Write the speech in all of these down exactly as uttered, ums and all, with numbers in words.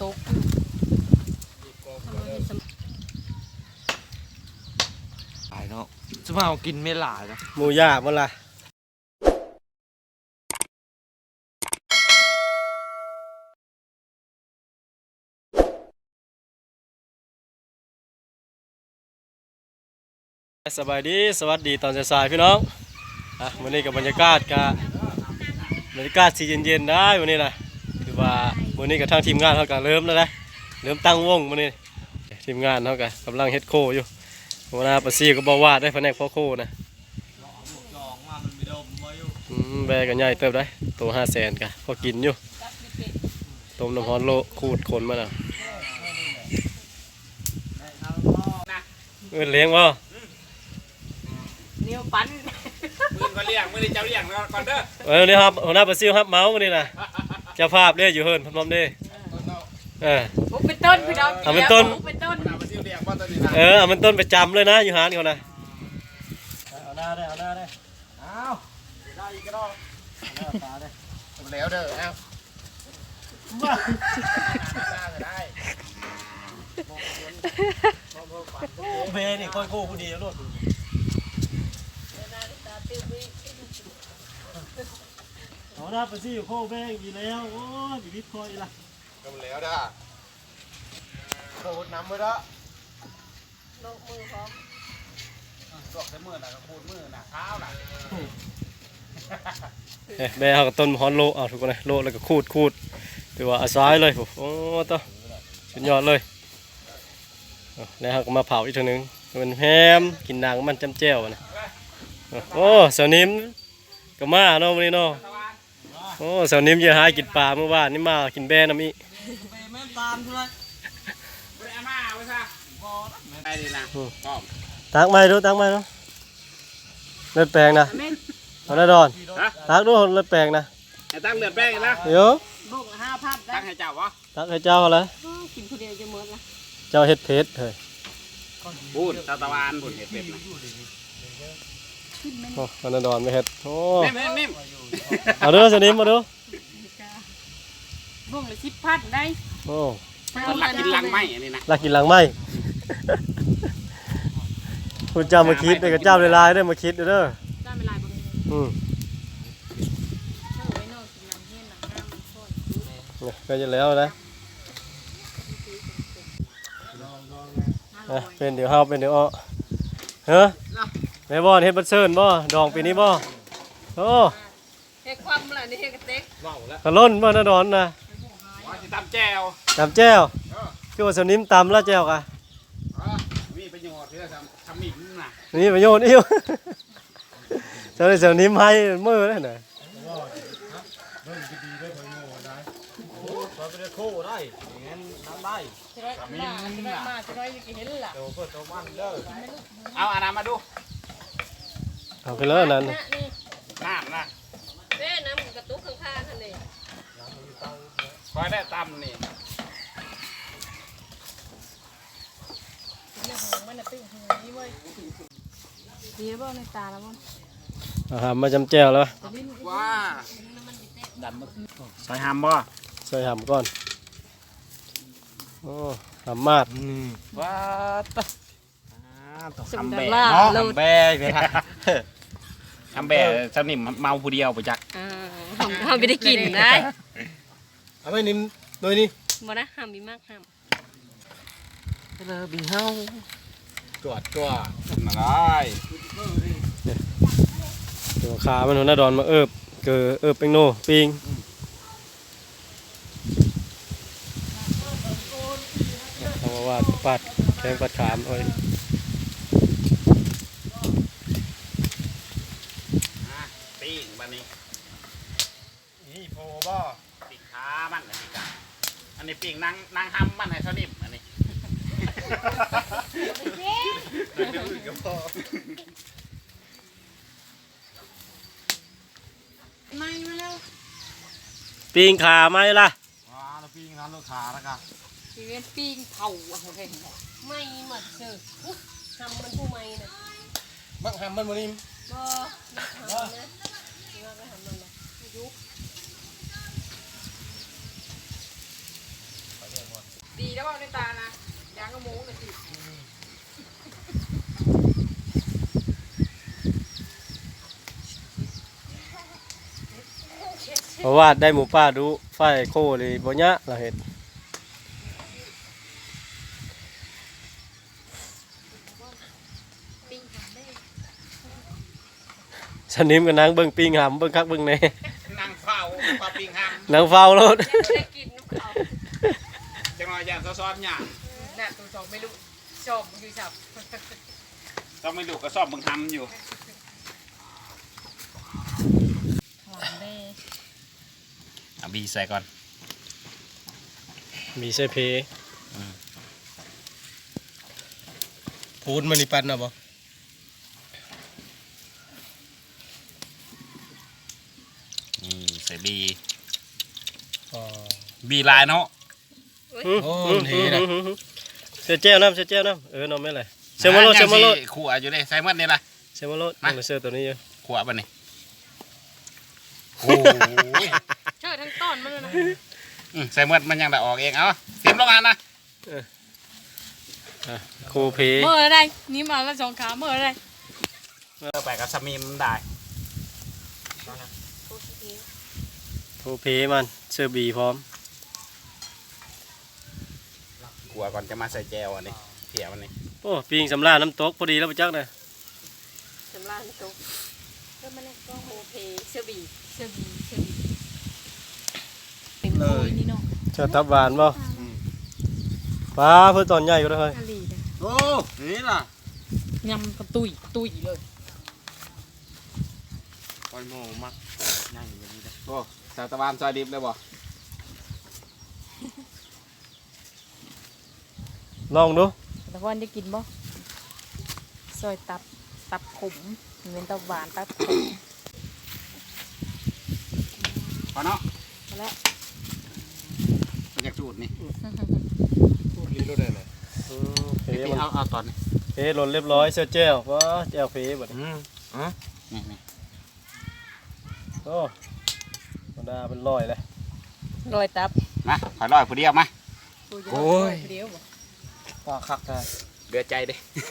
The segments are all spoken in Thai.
ตกหลายเนาะสมาเอากินไม่หลายนะหมูย่างมันล่ะสบายดีสวัสดีตอนสายๆพี่น้องอ่ะวันนี้กับบรรยากาศกับบรรยากาศสีเย็นๆได้วันนี้นะคือว่าวันนี้กับทางทีมงานเขาก็เริ่มแล้วนะเริ่มตั้งวงวันนี้ทีมงานเขาก็กำลังเฮ็ดโคอยู่วันนี้ปาซี่ก็บอกว่าได้แผนกพ่อโคนะอืมแบกันใหญ่เติบได้ตัวห้าแสนกันพอกินอยู่ต้มน้ำร้อนโลขูดขนมาแล้วเงินเลี้ยงบ่เนียวปั้นมือก็เลี้ยงมือนี่เจ้าเลี้ยงก่อนเด้อเออนี่ครับหัวหน้าปาซี่ครับเมาส์วันนี้นะเจ้าภาพเนี่ยอยู่เฮิร์นพร้อมๆเด้เออเป็นต้นพี่น้องเอาเป็นต้นเป็นต้นเออเอาเป็นต้นไปจำเลยนะอยู่หานเขานะเอาหน้าได้เอาหน้าได้เอาได้อีกก็ได้หน้าตาได้แล้วเด้อเอาได้เบนี่ค่อยโค้กูดีแล้วลูกเอาหน้าปาซี่อยู่โค้แบงดีแล้วโอ้ยบีบคอยละก็แล้วเด้อโคตรน้ำมือเด้อลงมือพร้อมตอกใส่มือน่ะก็โคตรมือน่ะเท้าน่ะเอ๊ะแบเอากับต้นฮอนโลเอาทุกคนเลยโลแล้วก็คูดคูดถือว่าอาศัยเลยโอ้ต่อสุดยอดเลยแล้วเขาก็มาเผาอีกทีนึงมันแฮมกินนางมันจำแจ่วนะโอ้สาวนิ่มก็มาเนาะวันนี้เนาะโอ้สาวนิ่มจะหากินปลาเมื่อวานนี่มากินแบน้ำอีแม่ตามใช่ไหมไปอาม่าไปซะไปดีนะตักไม้ดูตักไม้ดูเลือดแปลงนะเอาได้ดอนตักดูเลือดแปลงนะตั้งเลือดแป้งนะเดี๋ยวบุกห้าพันตั้งให้เจ้าวะตักให้เจ้าเลยกินคนเดียวจะหมดละเจ้าเฮ็ดเพชรเฮ้ยพูดตะตะวันพูดเห็ดเป็ดนะโอ้อันนั้นดอนไม่เฮ็ดโอ้นิ่มนิ่มเอาดูสนิมมาดูบุกเลยสิบพันได้โอ้ลักกินลังไม้อันนี้นะลักกินลังไม้คุณเจ้ามาคิดเด็กเจ้าลายได้มาคิดเด้อได้ไม่ลายบุกอืมก็จะแล้วนะเป็นเดี๋ยวเฮาเป็นเดี๋ยวอ้อเฮ้ยแม่บ่เฮ็ดบัดเซิร์นบ่ดองปีนี้บ่โอ้เฮ็ดความอะไรนี่เฮ็ดกระเต็กกระล้นบ่นะดอนนะตำแจ่วตำแจ่วคือว่าสนิมตำแล้วแจ่วกะมีประโยชน์ที่จะทำหมิ่นน่ะมีประโยชน์อิ่วเจ้าได้สนิมให้มือได้น่ะเบิ่งดีๆด้วยเพิ่นโง่ได้โอ้ซอยไปได้โคได้งั้นน้ำได้ทำหมิ่นน่ะมาจะได้เห็นล่ะโตเพิ่นโตมันเด้อเอาอันนั้นมาดูเอาไปเลยนั่นน้ำนะเด้น้ำกระตุกข้างๆท่านนี่คอยได้ตำนี่เนี่ยหงมันน่ะตึ้งหงนี่เว้ยดีบ่ในตาแล้วมั้งอาหารมาจำแจ่วแล้วว้าดันมาใส่หำบ่ใส่หำก่อนโอ้หำมาดว้าตะทำแบะเนาะทำแบะเลยฮะทำแบะเจ้านิ่มเมาผู้เดียวไปจักห้ามห้ามไม่ได้กินได้เอาไม่นิ่มโดยนี่บ่นะห้ามมีมากห้ามเออบีเฮาตัวตัวมาได้เดี๋ยวขามันหัวหน้าดอนมาเอิบเกอเอิบเป็นโนปิงเอามาว่าปัดแทงปัดขามเอาปิ้งบันนี้นี่โฟบ่ปิ้งขามันอันนี้กันอันนี้ปิ้งนางนางห้ำมันให้เท่านิ่มอันนี้ไม่มาแล้วปิงขาไหมล่ะว้าเราปิ้งร้านลูกค้าแล้วกันพี่เวนปิ้งเผาอะไรไม่หมดเจอทำมันผู้ไม่เนี่ยบังหำมันบ่นิ่มบ่ไม่ทำนะนี่ว่าไปทำมันนะยุบดีแล้วเอาในตานะยางกระโมงเลยสิเพราะว่าได้หมูป่าดูไฟโคเลยบ่ยะเราเห็นสนิมกับนางเบิ่งปิงหำเบิ่งคักเบิ่งแหน่นั่งเฝ้าปลาปิ้งห้ามนางเฝ้ารถได้กินน้ำเขาจังหวะอย่างซ้อนๆเนี่ยน่ะตัวสองไม่รู้ชอบอยู่สับต้องไม่ดูกระสอบมึงทำอยู่หอมเด้เอาบีใส่ก่อนมีใส่เพพูดมันนี่ปันนะบ่นี่ใส่บีอ๋อบีลายเนาะโอ้ทีนะเสียเจ้าน้ำเสียเจ้าน้ำเออน้องไม่เลยเซมโมโลเซมโมโลขวอยู่เลยใส่เมื่อนี่ละเซมโมโลน้องเสือตัวนี้อยู่ขวบันนี่โอ้ยเชิดทั้งต้นมันเลยนะอืมใส่เมื่อมันยังได้ออกเองเอาเตรียมลงงานนะโคเพเมื่อไรนี่มาแล้วสองขาเมื่อไรเออไปกับสามีมันได้โคเพมันเสื้อบีพร้อมขวก่อนจะมาใส่แจวอันนี้เถี่ยมันนี่โอ้ปิงสำราญน้ำตกพอดีแล้วปะจักนะสำราญตุ๊กเพื่อมันก็โฮเพเสื้อบีเสื้อบีเสื้อบีเต็มเลยนี่เนาะเจ้าทับหวานบ่ป้าเพื่อตอนใหญ่อยู่แล้วเฮ้ยกะหรี่เลยโอ้นี่ล่ะยำกระตุยตุยเลยคอยโมมักนั่งอยู่แบบนี้ได้โอ้สาวตะวันซอยดิบเลยบ่ลองดูแต่ว่าได้กินบ่ซอยตับตับขมเหมือนตับหวานตับขมพอเนาะมาแล้วมันอยากจูดนี่ลีรู้ได้เลยเพพี่มันเอาเอาตอนนี้เพหล่นเรียบร้อยเสื้อแจ้วว้าแจ้วเพบัดนี้อืมอ๋อนี่นี่โอ้ธรรมดาเป็นร้อยเลยรอยตับมาขอร้อยผู้เดียวมาโอ้ยเดียวบ่ปลาคักได้เดือดใจดิ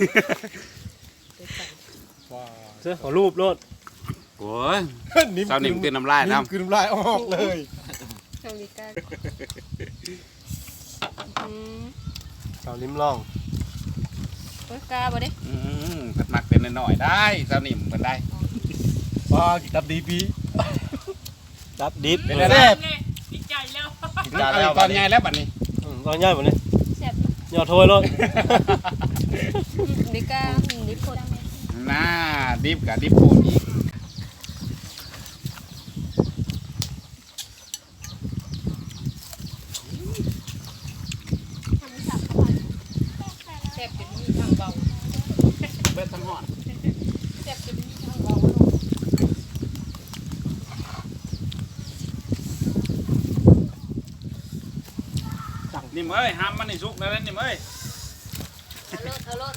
เสื้อขอรูปรถโอ้ยสาวหนิมตื่นน้ำลายน้ำคือน้ำลายออกเลยเกาหลีใต้อืมสาวลิ้มล่องโอ้ยกาบ่เด้อืมเพิ่นมักเป็นหน่อยๆได้สาวหนิมเพิ่นได้ปลาดับดีปีดับดิบเป็นอะไรแซ่บดีใจแล้วมันเอาตอนใหญ่แล้วบัดนี้อืมตอนใหญ่หมดเลยแซ่บยอดโทยรถดิกาดิโคดน่าดิบกับดิบปูนอีกแซ่บจนมีทางเบาเบิดทั้งหอดแซ่บจนมีทางเบานิ่มเอ้ยห้ามมันนี่สุกแล้วนะนิ่มเอ้ยเอารถเอารถ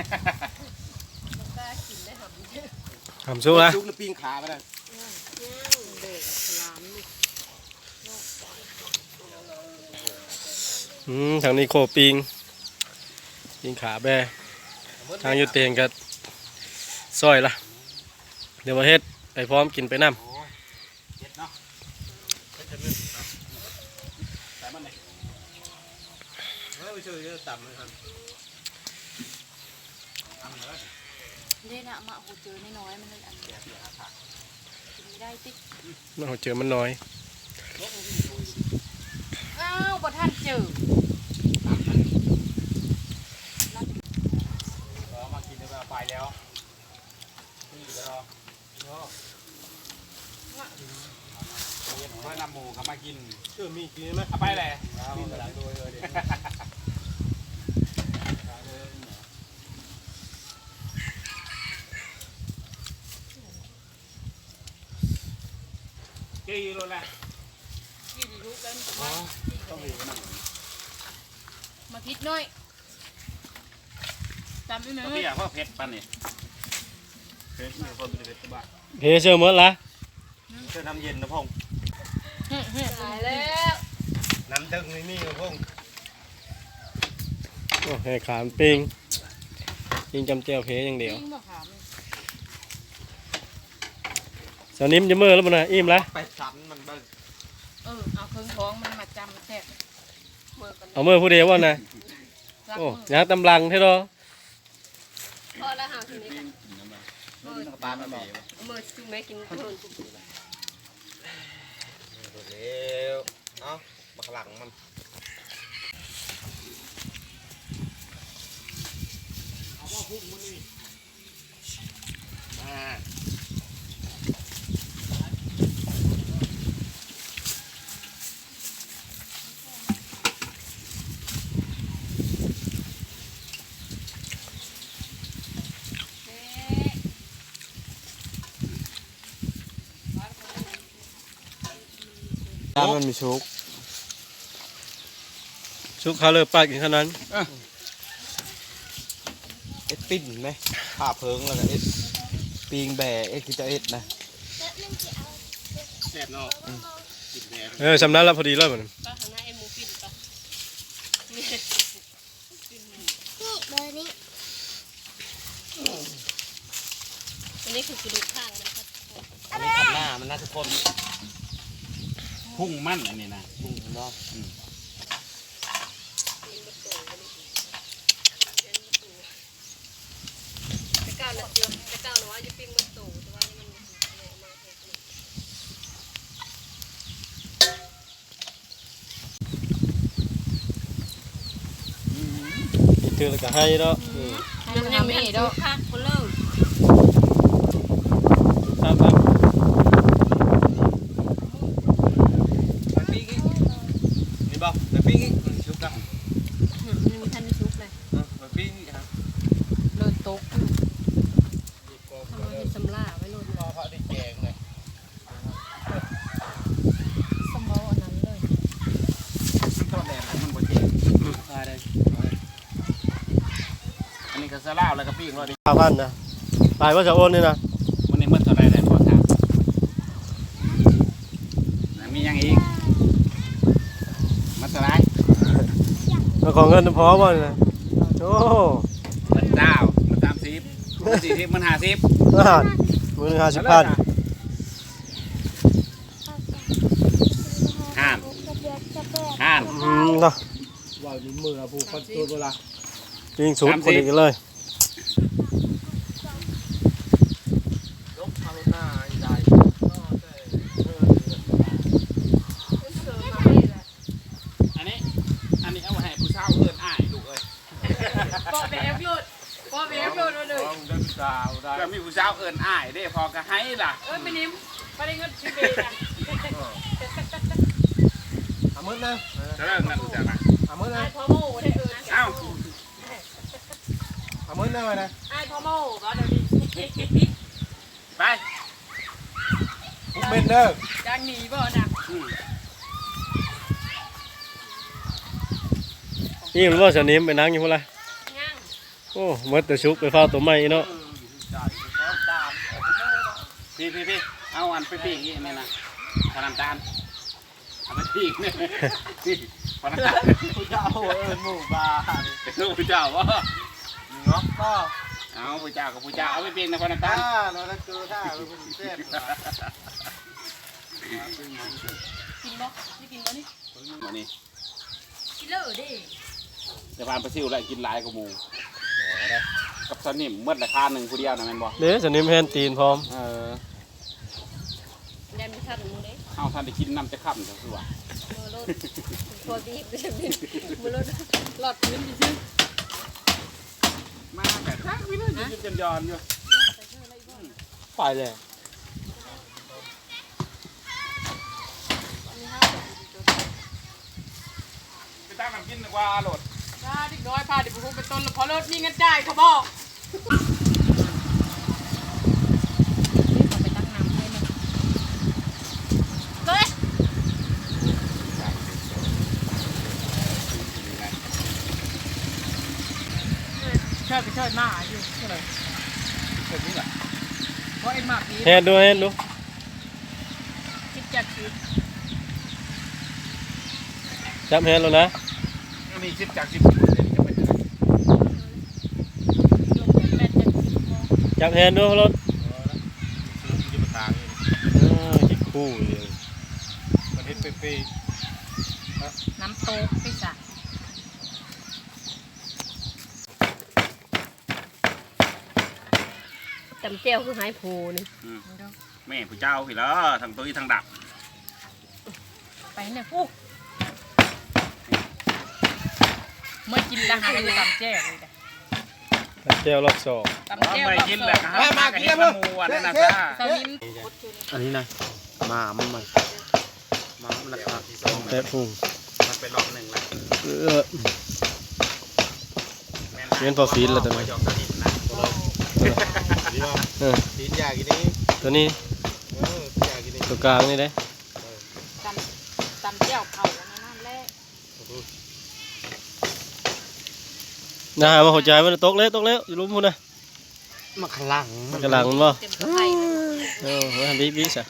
กากินได้หำทำสู้นะสุกแล้วปิ้งขาไปได้เด็กสลามนี่อืมทางนี้โคปิงปิงขาแบทางอยูเตียงกับซอยละเดี๋ยวมาเฮ็ดไปพร้อมกินไปน้เจ็ดเนาะใส่มันเลยำไปช่วยต่ำเลยครับเด้น่ะมาโหเจอน้อยๆมันเลยอันเดียวกินไม่ได้ติ๊กเราเจอมันน้อยอ้าวบ่ทันเจอรอมากินได้ไปแล้วนี่ก็รอมานำหมูเขามากินเชื่อมีกินไหมเอาไปเลยกินหลังโดยเลยกี่โลละกินลูกแล้วมามาพิษน้อยตามไปหน่อยพี่อยากว่าเผ็ดปันนี่เผ็ดมีคนเป็นเผ็ดตัวบ้าเพเชื่อเมื่อละเชื่อน้ำเย็นนะพงตายแล้วน้ำตึงนี่นี่พงโอ้ให้ขามปิ้งปิ้งจำเจียวเพอย่างเดียวจริงบ่ขามสาวนิ่มจะมือแล้วบ่นะอิ่มแล้วไปชั้นมันเบิ่งเออเอาเครื่องท้องมันมาจำแทบเมื่อกันเอามือผู้เดียวว่านะโอ้ยางตำลังเท่าดอพอแล้วหาทีนี้เมื่อปลาไม่บอกเมื่อจุ่มแม่กินขนมเร็วเอ้าบักหลังมันตามมันมีชุกชุกเขาเลยปากอย่างขนาดนั้นเอ็ดปิ้นไหมผ้าเพิงแล้วก็เอ็ดปิงแบะเอ็ดคือจะเอ็ดนะแซ่บเนาะเออสำนักแล้วพอดีเลยเหมือนป้าหาหน้าไอ้หมูปิ่นปะนี่เบอร์นี้อันนี้คือกระดูกข้างนะครับอันนี้ขัดหน้ามันน่าทุกคนพุ่งมั่นอันนี้นะพุ่งเนาะจะก้าวนะเจือจะก้าวนะว่าจะปิ้งมันตู่แต่ว่านี่มันเลยมาเถอะอีกเตือนแล้วก็ให้เนาะอืมมันยังไม่เห็นดอกคักคนเลิกครับครับไปปิ้งอีกนี่บ่ไปปิ้งอีกมันชุบกันยังมีทันได้ชุบเลยเออไปปิ้งอีกครับเลิศตกอยู่ทำไมมีสำลาไว้โลดพอเขาได้แกงเลยสมออันนั้นเลยทอดแดดมันบ่เจ็บได้อันนี้ก็สลาวแล้วก็ปิ้งรอดิห้าพันนะตายว่าจะโอนนี่นะวันนี้มันเท่าไรได้พอถามมียังอีกมันเท่าไรเราของเงินพอบ่เนี่ยโอ้มันเจ้ามันสามสิบมันสี่สิบมันห้าสิบอาหารมือห้าสิบพันห้ามจะเบียดจะเบียดห้ามอืมเนาะว่าอยู่มือผู้คนตัวเวลาปิ้งสุดคนอีกเลยลบทางหน้าใหญ่อันนี้อันนี้เอาไว้ให้ผู้เช่าเอิ้นอ้ายลูกเอ้ยปอแบบหลุดปอแบบหลุดมาเลยต้องได้ผู้สาวได้ก็มีผู้เช่าเอิ้นอ้ายเด้พอก็ให้ล่ะเอ้ยไม่นิ่มไม่ได้เงินชิเบนะเอามือนะจะเริ่มนั่นรู้จักไหมเอามือนะไอ้พ่อโม่ได้เอิญเอ้าเอามือนะไว้นะไอ้พ่อโม่ก็เดี๋ยวนี้ไปพุกเม็ดเด้อจังหนีบ่นะอืมอิ่มหรือว่าสาวนิ่มไปนั่งอยู่พุ่นละย่างโอ้เมื่อแต่ชุกไปเฝ้าตัวใหม่เนาะพี่พี่พี่เอาอันไปปีกอีกนี่นะขนาดจานเอาไปปีกเนี่ยพี่ขนาดจานผู้เจ้าเอิญหมู่บ้านเป็นลูกผู้เจ้าวะเนาะก็เอาผู้เจ้ากับผู้เจ้าเอาไปปีกในขนาดจาถ้าน เราจะเจอถ้าเราเป็นเส้นกินบ่ไม่กินบ่นี่วันนี้กินเลยดิจะพานไปซิวแล้วกินหลายกว่าหมูกับสนิมเมื่อราคาหนึ่งผู้เดียวนะแม่นบ่เด้สาวนิ่มแฮนตีนพร้อมเออยันมีท่านมูเด้เอาท่านได้กินน้ำจะค่ำจะคือว่ามือรถพอดีบจะเป็นมือรถหลอดพื้นดิซึ่งมาแต่ทักวิเลยยืนจนยอนอยู่ไปเลยไปตั้งน้ำกินดีกว่าโหลดถ้าเด็กน้อยพาเด็กผู้เป็นต้นแล้วพอรถมีเงินจ่ายเขาบอกไปตั้งน้ำให้มันเฮ้ยช่วยไปช่วยมาอยู่เท่าไหร่แบบนี้แหละเพราะไอ้หมากนี้แฮนดูแฮนดูคิดจัดคือจับแฮนแล้วนะอันนี้สิบจากสิบเลยจะเป็นยังไงจับแฮนด์ดูรถอยู่บนทางนี่เออจิกคู่เลยมันเฮ็ดเป๊ะน้ำโต๊กไปจ้ะจำเจียวคือหายโพนี่อืมแม่ผู้เจ้าพี่แล้วทางตุ้ยทางดับไปเนี่ยปุ๊กเมื่อกินแล้วหาก็จะตำแจ่วเลยจ้ะเจียวรอบสองตำแจ่วไม่รอบกินสแหอละงครับมากับเฮ็ดละมูอันนั้นนะจ้าสลิมๆอันนี้นะมามันมันมามันนะครับแปะพุงมันเป็นรอบหนึ่งแล้วเออ เงินพอฟีนแล้วตัวนี้ยอมสนิทนะดีป่ะเออตีนยากินนี้ตัวนี้เออยากินนี้ตัวกลางนี่เด้ตำตำแจ่วเผาอันนั่นแหละนะฮะมาหัวใจมันตกแล้วตกแล้วอยู่ลุ้มพุ่นนะมาขลังกระหลังมันบ่เต็มกระไผ่เออมาทำบีบีซะ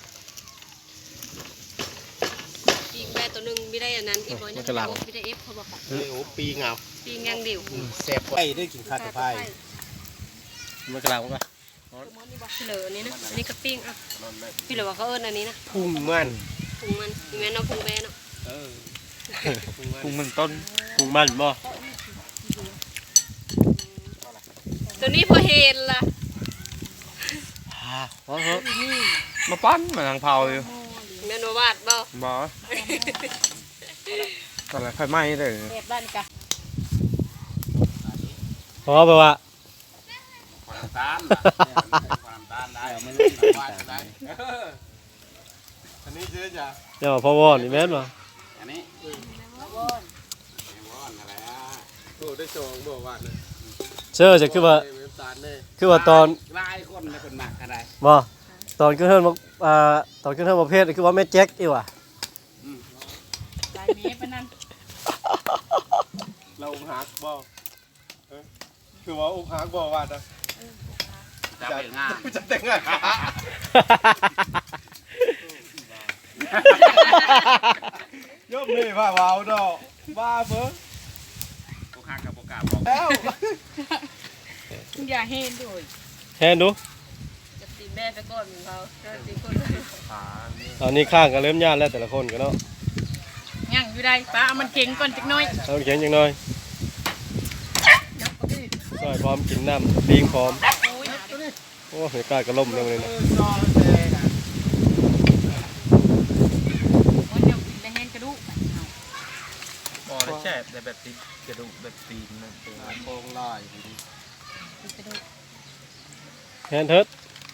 ปีกแม่ตัวหนึงไม่ได้อันนั้นอีกร้อยนึงไม่ได้เอฟเขาบอกค่ะเฮ้ยโอ้ปีเงาปีงอย่างเดียวแซ่บกว่าไอ้ได้กินข้าวกับไผ่มันกระหลังมันปะพี่เหลืออันนี้นะอันนี้ก็ปิ้งอ่ะพี่เหลือว่าเขาเอิ้นอันนี้นะพุ่งมันพุงมันมีแม่เนาะพุงแม่เนาะเออพุงมันต้นพุงมันบ่ตัวนี้พอเห็นล่ะเพราะเหอะมาปั้นมาทางเผาอยู่แม่นวาดบ่บ่ตอนแรกไฟไหม้เลยเก็บได้นี่กะพอไปว่าความต้านความต้านได้มันว่าได้อันนี้เจ๊จ้ะเดี๋ยวพอวอนนี่แม่นบ่อันนี้ว่อนวอนอะไรอ่ะโอ้ได้โชว์บ่ว่าเลยเชื่อจะคือว่าเว็บตาลเน่คือว่าตอนลายคนในคนหมักอะไรบ่ตอนขึ้นเทิร์นบอกอ่าตอนขึ้นเทิร์นประเภทคือว่าแม่แจ็คอีว่ะลายเมตรปะนั่นเราอกหักบ่เออคือว่าอกหักบ่ว่านะจะเป็นงานจะแต่งงานยกนี่ว่าว้าวดอกบ้าเบ้อพวกข้ากับพวกกาบอกแล้วอย่าเห็นด้วยแทนดูจะตีแม่ไปก่อนเขาจะตีคนตอนนี้ข้างกันเริ่มย่านแล้วแต่ละคนกันเนาะยังอยู่ได้ป้าเอามันเก่งก่อนจักหน้อยเอาเขียนจังหน่อยซอยพร้อมกินน้ำปิงพร้อมโอ้ยหาดิโอ้ยกล้ากระล่มเลยมันเอนะอซอแดงอ่ะวันเดียวกินได้แห้งกระดูกไปเอาบ่ได้แช่แต่แบบติดกระดูกแบบตีนนั่นเองโครงลายอยู่ดีกินกระดูกแทนเถิด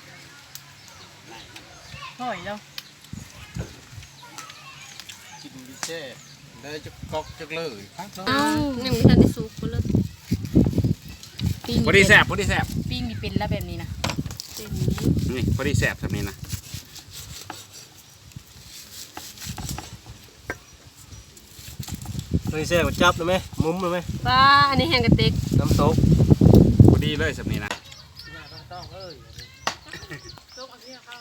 ห่อยแล้วกินดิแช่ได้จะกอกจักเลยครับเนาะเอ้ายังไม่ทันได้สุกเลยปิ้งพอดีแสบพอดีแสบปิ้งนี่เป็นแล้วแบบนี้นะเต็มนี่พอดีแสบแบบนี้นะนี่แซ่บจับเลยไหมมุ้มเลยไหมป้าอันนี้แห้งกระติกน้ำตกพอดีเลยแบบนี้นะต้องเอ้ยลูกเอาที่เข้า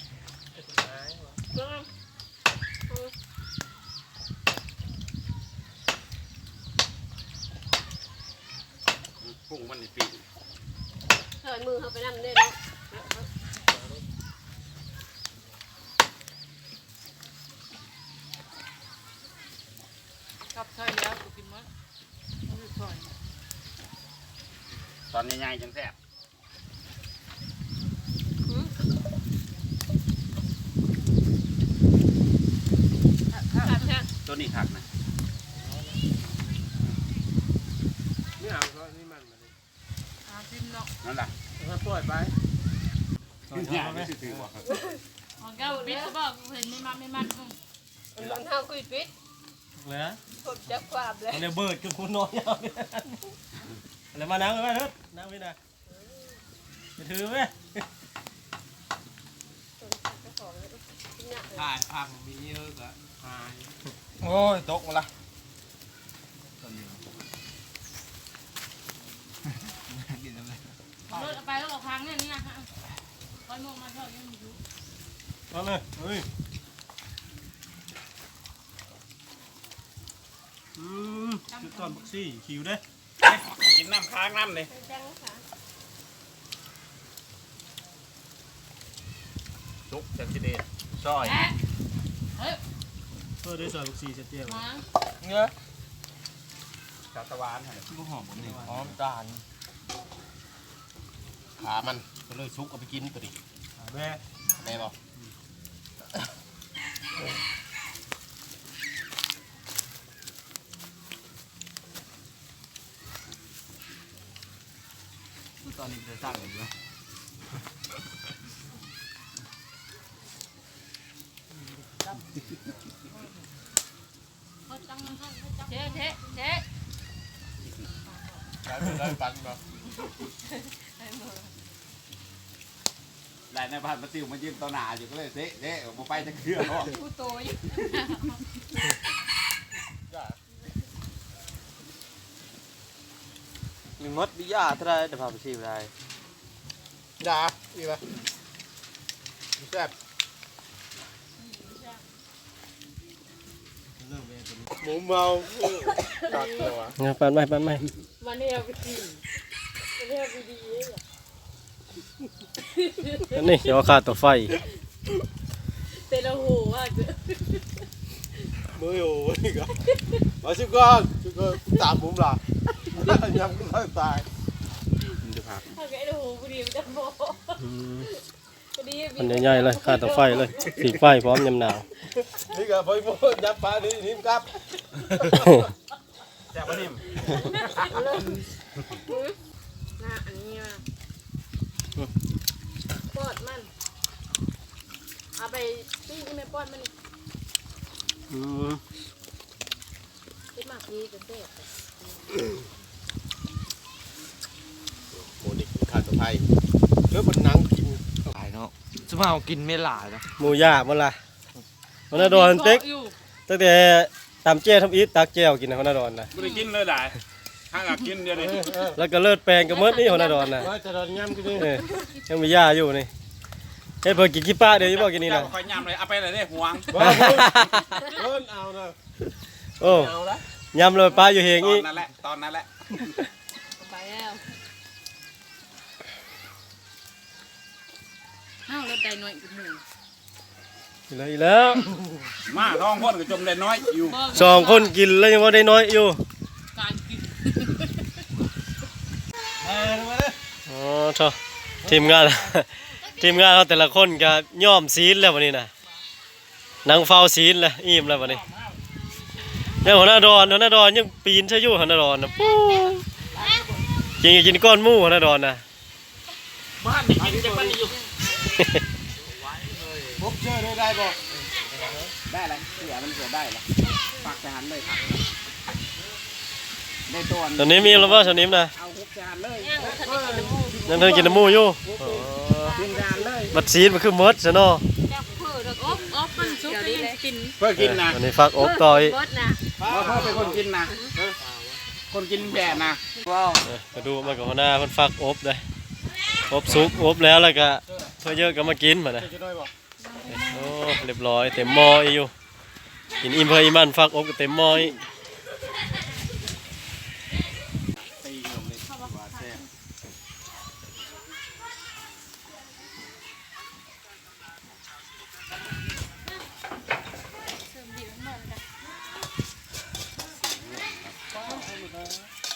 กุ้งมันนี่ปีกเถิดมือเขาไปนั่งได้เนาะกับใช่แล้วกูกินมั้งเอาไปปล่อยตอนใหญ่ๆจังแสบครับแท้ตัวนี้ขักนะนี่หางเขานี่มันมันอาซิมเนาะนั่นแหละถ้าปล่อยไปเนี่ยไม่ถือว่าของแก้วปิดก็บอกเห็นไม่มันไม่มันอืมรองเท้าคุยปิดเลยนะผมจะความเลยอันนี้เบิร์ดกับคุณน้อยเอาเนี่ยอะไรมานั่งเลยไหมเถิดนั่งไว้นะจะถือไหมถ่ายพังมีเยอะกะหายโอ้ยตกมาละเอารถเอาไปแล้วออกทางเนี่ยนี่นะฮะคอยมองมาเท่านี้มันอยู่เอาเลยเฮ้ยอืมจุดตอนบักซี่คิวเด้กินน้ำค้างน้ำเลยจังค่ะชุกจังสิเดชซอยเออได้ซอยลูกซีเสร็จเตี้ยมาเงี้ยกาตะวานให้ลูกหอมผมนี่หอมจานขามันก็เลยซุกเอาไปกินตัวดิแม่แม่บอกตอนนี้จะสร้างอะไรอยู่เจ๊เจ๊เจ๊ได้ได้ปันบ่ได้ในบ้านมาติวมายืนต่อหน้าอยู่ก็เลยเตะเตะบ่ไปจะเคลื่อนหรอกกูโตอยู่มีมดบิยาเท่าไรแต่พาไปชิมได้ด่าอีกไหมแซ่บหมูเมาตัดเลยวะเนี่ยปั่นไม่ปั่นไม่มันเนี่ยไปกินมันเนี่ยไปดีเองอันนี้เดี๋ยวขาดตัวไฟเตะละหูว่าจะมืออยู่นี่ก็มาชิมก่อนชิมก่อนตามผมล่ะยังไม่ตายจะพักถ้าแกละหูพอดีมันจะโบพอดีมันใหญ่ๆเลยขาดตัวไฟเลยสีไฟพร้อมยำหนาวนี่ก็ไปโมยับปลานี่นิ่มครับแซ่บบ่นิ่มหน้าอันนี้มาปอดมันเอาไปปิ้งที่แม่ปอดมันอืมคิดมากดีจะเสพโมนี่ขาดตัวไฟเรื่องมันนังกินหลายเนาะสมาเอากินไม่หลายนะหมูย่างมันล่ะมันน่าโดนเต็กตั้งแต่ตำเจ้ทำอีทตักแจ้วกินนะมันน่าโดนนะบ่ได้กินเลยได้ห้างอยากกินเดี๋ยวนี้แล้วก็เลิศแปลงกับมดนี่มันน่าโดนนะว่าจะโดนย่ำกินเออยังมีย่าอยู่นี่เฮ้ยเพิ่นกินขี้ป้าเดี๋ยวจะบอกกินนี่นะค่อยย่ำเลยเอาไปเลยเด้ห่วงว่าเพิ่นเอานะโอ้เอาละยำเลยป้าอยู่เฮงตออีนนั้นแหละตอนนั้นแหละไปแล้วห้าวรถใดหน่อยกับหนึ่งเลยแล้วมาท้องคนก็จมได้น้อยอยู่สองคนกินแล้วยังว่าได้น้อยอยู่การกินเออมาเลยอ๋อเถอะทีมงาน ทีมงานเราแต่ละคนก็ย่อมซีนแล้ววันนี้นะนางเฝ้าซีนแล้วอิ่มแล้ววันนี้เนี่ยหัวหน้าดอนหัวหน้าดอนยังปีนใช่อยู่หัวหน้าดอนนะปู๊กินกินก้อนหมูหัวหน้าดอนนะบ้านนี่กินจังบ้านนี่อยู่พบเจอได้ได้บ่ได้เลยเสือมันเสือได้ละฝากทหารเลยครับได้ตัวตอนนี้มีแล้วว่าตอนนี้นะเอาฮุกทหารเลยยังเธอกินน้ำหมูอยู่อ๋อกินทหารเลยบัดซีนมันคือมดซะเนาะจับเพื่อแล้วอบอบมันซุปได้ยังกินเพื่อกินนะวันนี้ฟักอบต่อยบดนะเพราะเพื่อเป็นคนกินนะคนกินแบะนะว้าวเออก็ดูมันกับหัวหน้ามันฟักอบเลยอบซุกอบแล้วแล้วก็เพื่อเยอะก็มากินมานะจะได้บ่โอ้เรียบร้อยเต็มหม้ออีอยู่กินอิ่มเพื่ออิ่มมันฟักอบก็เต็มหม้ออีตีขนมนี่ว่าแซ่บเ